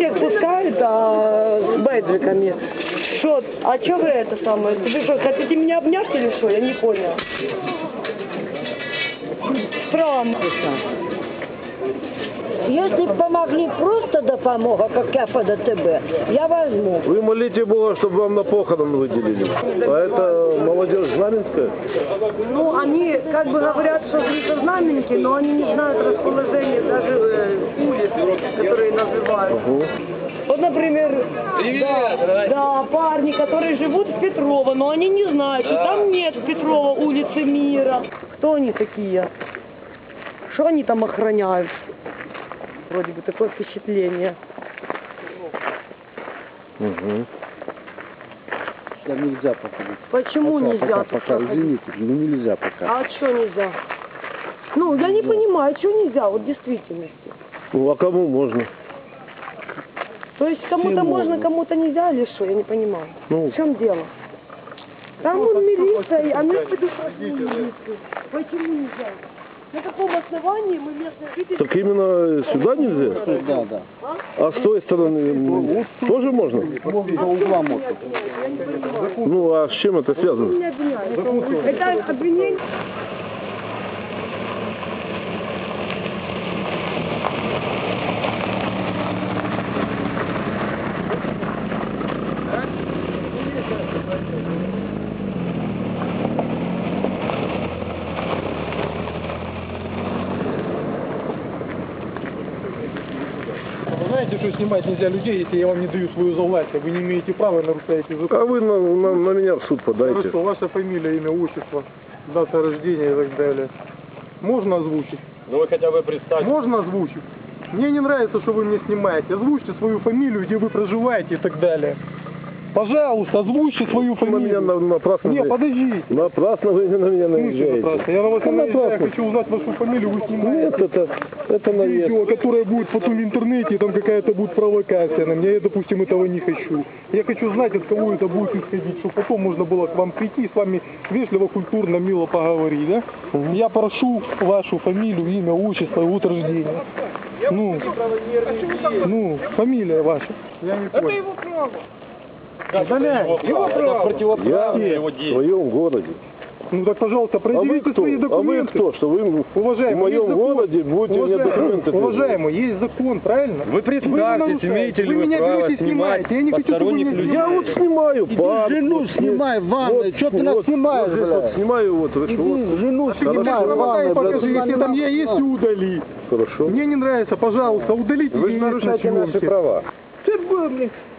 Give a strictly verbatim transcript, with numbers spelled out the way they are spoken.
всех пускают а, с бейджиками. Что? А что вы это самое? Вы что, хотите меня обнять или что? Я не понял. Прям. Если бы помогли просто допомога, как я по ДТБ, я возьму. Вы молите Бога, чтобы вам на похорон выделили. А это молодежь знаменская? Ну, они как бы говорят, что это знаменники, но они не знают расположение даже э, улиц, которые называют. Угу. Вот, например, да, да, парни, которые живут в Петрова, но они не знают, что там нет в Петрова улицы Мира. Кто они такие? Что они там охраняют? Вроде бы такое впечатление. Угу. Сюда нельзя пока. Почему пока, нельзя? Пока, пока, извините, ну нельзя пока. А что нельзя? Ну, я не понимаю, что нельзя, вот в действительности. Ну, а кому можно? То есть кому-то можно, кому-то нельзя или что? Я не понимаю. Ну, в чем дело? Там вот милиция, а мы предупреждили милицию. Почему нельзя? На каком основании мы местные жители... Так именно сюда нельзя? Да, да. А с той стороны тоже можно? До угла можно. Ну, а с чем это связано? Это обвинение... Знаете, что снимать нельзя людей, если я вам не даю свою завластие? Вы не имеете права и нарушаете закон. А вы на, на, на меня в суд подайте. Хорошо, ваша фамилия, имя, отчество, дата рождения и так далее. Можно озвучить? Ну вы хотя бы представьте. Можно озвучить? Мне не нравится, что вы меня снимаете. Озвучьте свою фамилию, где вы проживаете и так далее. Пожалуйста, озвучьте свою фамилию. На меня на, напрасно... Не, подождите. Напрасно вы на меня наезжаете. Напрасно. Я на вас не наезжаю, я хочу узнать вашу фамилию, вы снимаете. Нет, это, это наезд. Видео, которое будет потом в интернете, и там какая-то будет провокация на меня. Я, допустим, этого не хочу. Я хочу знать, от кого это будет исходить, чтобы потом можно было к вам прийти и с вами вежливо, культурно, мило поговорить, да? Угу. Я прошу вашу фамилию, имя, отчество и год рождения. Ну, ну, фамилия ваша. Я не понял. Это его право. Удаляй, его право. Я в своем городе. Ну так, пожалуйста, предъявите а свои документы. А вы кто? Что вы уважаемый, в моем городе будете мне документы? Уважаемый, есть закон, правильно? Вы представьтесь, имеете ли вы, вы право снимать я не посторонних хочу, людей? Я вот снимаю пар. жену вот, снимай в ванной, вот, что ты нас вот, снимаешь, вот, блядь? вот, снимаю вот. Иди, вот. жену А снимай в ванной, покажи, если там я есть, удали. Хорошо. Мне не нравится, пожалуйста, удалите. Вы нарушаете наши права. Ты был, блядь.